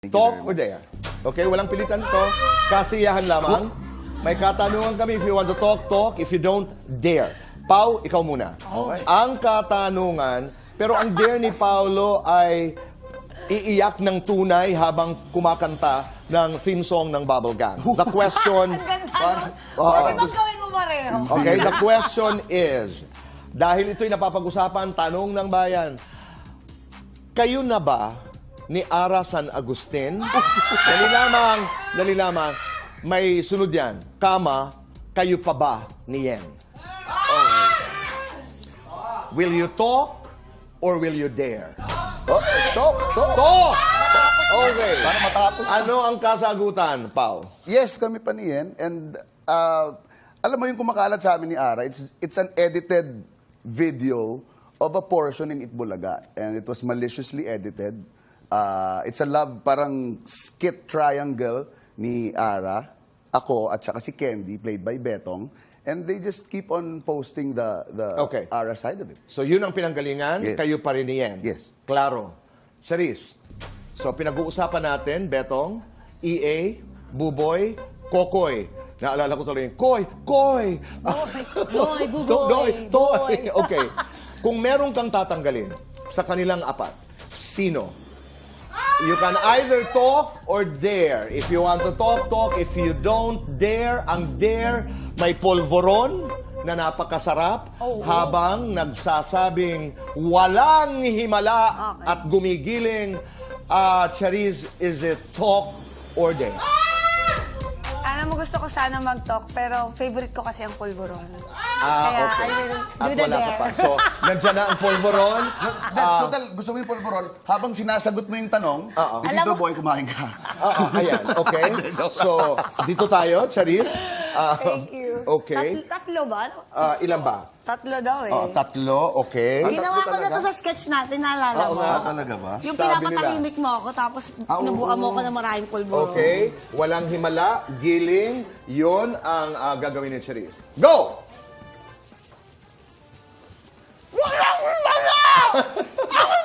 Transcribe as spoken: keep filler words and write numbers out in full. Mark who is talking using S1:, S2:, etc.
S1: Talk or dare. Okay, walang pilitan to. Kasiyahan lamang. May katanungan kami. If you want to talk, talk. If you don't, dare. Pau, ikaw muna.
S2: Okay.
S1: Ang katanungan, pero ang dare ni Paulo ay iiyak ng tunay habang kumakanta ng theme song ng Bubble Gang. The question...
S2: Ang ganda, no?
S1: Oo.
S2: Pwede bang gawin mo pareho?
S1: Okay, the question is, dahil ito'y napapag-usapan, tanong ng bayan, kayo na ba ni Ara San Agustin? Dali lamang, dali lamang, may sunod yan. Kama, kayo pa ba ni Yen? Okay. Will you talk or will you dare?
S3: Oh, talk, talk.
S1: Talk! Okay.
S3: Para matapos.
S1: Ano ang kasagutan, Pau?
S3: Yes, kami pa niyan. And uh, alam mo yung kumakalat sa amin ni Ara, it's, it's an edited video of a portion in Itbulaga. And it was maliciously edited. Uh, it's a love, parang skit triangle ni Ara, ako, at saka si Candy, played by Betong. And they just keep on posting the, the
S1: Okay.
S3: Ara side of it.
S1: So yun ang pinanggalingan,
S3: Yes.
S1: kayo pa rin ni Yen.
S3: Yes.
S1: Klaro. Charis. So pinag-uusapan natin, Betong, E A, Buboy, Kokoy. Naalala ko tuloy yung Koy, Koy!
S2: Boy,
S1: To-
S2: buboy,
S1: Toy,
S2: boy.
S1: Okay. Kung meron kang tatanggalin sa kanilang apat, sino? You can either talk or dare. If you want to talk, talk. If you don't dare, ang dare may polvoron na napakasarap
S2: Oh.
S1: habang nagsasabing walang himala
S2: Okay.
S1: at gumigiling. Uh, Charis, is it talk or dare?
S2: Alam mo, gusto ko sana mag-talk, pero favorite ko kasi ang pulburon.
S1: Ah,
S2: Kaya
S1: okay.
S2: I will
S1: At
S2: do the
S1: wala ka
S2: dare.
S1: pa. So, nandiyan na ang polvoron.
S3: Then,
S1: Ah,
S3: total, gusto mo yung polvoron, habang sinasagot mo yung tanong,
S1: Oo.
S3: hindi
S2: Alam
S3: daw
S2: mo-
S3: boy, kumain ka.
S1: Oo, ayan. Okay. So, dito tayo, Charis. Ah,
S2: Thank you.
S1: Okay.
S2: Tat- tatlo ba?
S1: Ah, ilan ba?
S2: Tatlo daw eh.
S1: Oh, tatlo, okay.
S2: Ginawa ko na
S3: talaga?
S2: to sa sketch natin, naalala
S1: Oo
S2: mo?
S1: nga.
S3: Ah, talaga ba?
S2: Yung
S1: Sabi
S2: pinapatahimik mo ako, tapos
S3: Ah, oo.
S2: nabuka mo ko ng maraming pulburon.
S1: Okay. Walang himala, giling, yun ang ah, gagawin ni Charis. Go! Walang himala! Ang